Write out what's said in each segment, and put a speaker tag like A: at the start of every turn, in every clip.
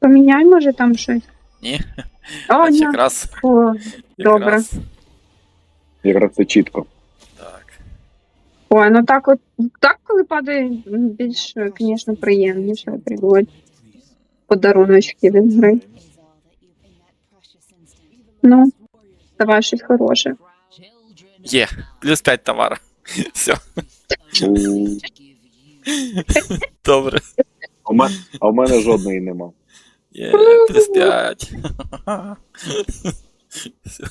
A: Поміняй, може, там щось.
B: Ні,
A: О, ні.
B: якраз.
A: О, добре.
B: Якраз.
C: Якраз це чітко.
B: Так.
A: Ой, ну так от, так, коли падає, більш, звісно, приємніше приводить подаруночки від гри. Ну, давай щось хороше.
B: Є, плюс 5 товару. Все, добре.
C: А в мене жодної нема.
B: Є, плюс 5. Все.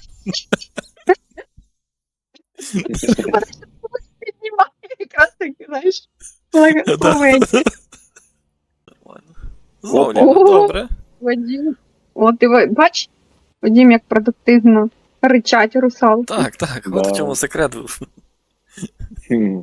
A: Піднімає якраз таки, знаєш,
B: Да.
A: благословення.
B: Зловлено,
A: О.
B: добре.
A: Вадим. О, ти бач, Вадим, як продуктивно ричать русалки.
B: Так, так, от
C: Да.
B: в чому секрет був.
C: Хм.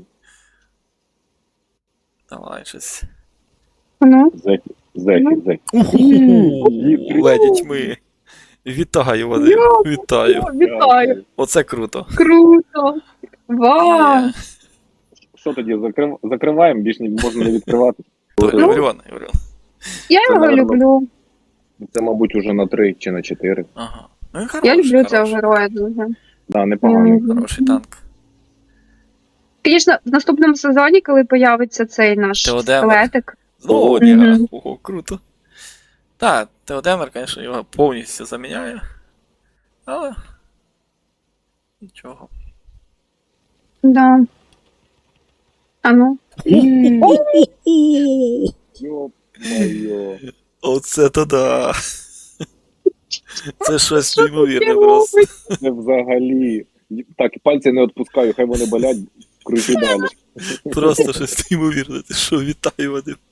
B: Давай щось.
A: Ну,
C: Зеки.
B: Леді тьми. Вітаю, Вадим, вітаю.
A: вітаю.
B: Оце круто.
A: Круто. Вау.
B: Є.
C: Що тоді, закриваємо, більш можна не відкривати.
B: Євріон.
A: Я
C: Це,
A: його
C: наверно,
A: люблю.
C: Це, мабуть, уже на 3 чи на 4.
B: Ага. Ну, він
A: Я
B: хороший,
A: люблю цього
B: хороший.
A: героя дуже.
C: Да, непоганий.
B: Хороший танк.
A: Звісно, в наступному сезоні, коли появиться цей наш
B: Теодемер.
A: скелетик.
B: Знову
A: Мгм.
B: Одіга. Ого, круто. Так, Теодемер, звісно, його повністю заміняє. Але. Нічого.
A: Да. А ну.
C: Йо-моє.
B: Оце то да. Це щось неймовірне просто.
C: Це взагалі. Так, пальці не відпускаю, хай вони болять, кручу далі.
B: Просто щось неймовірне. Ти що, вітаю, Вадим.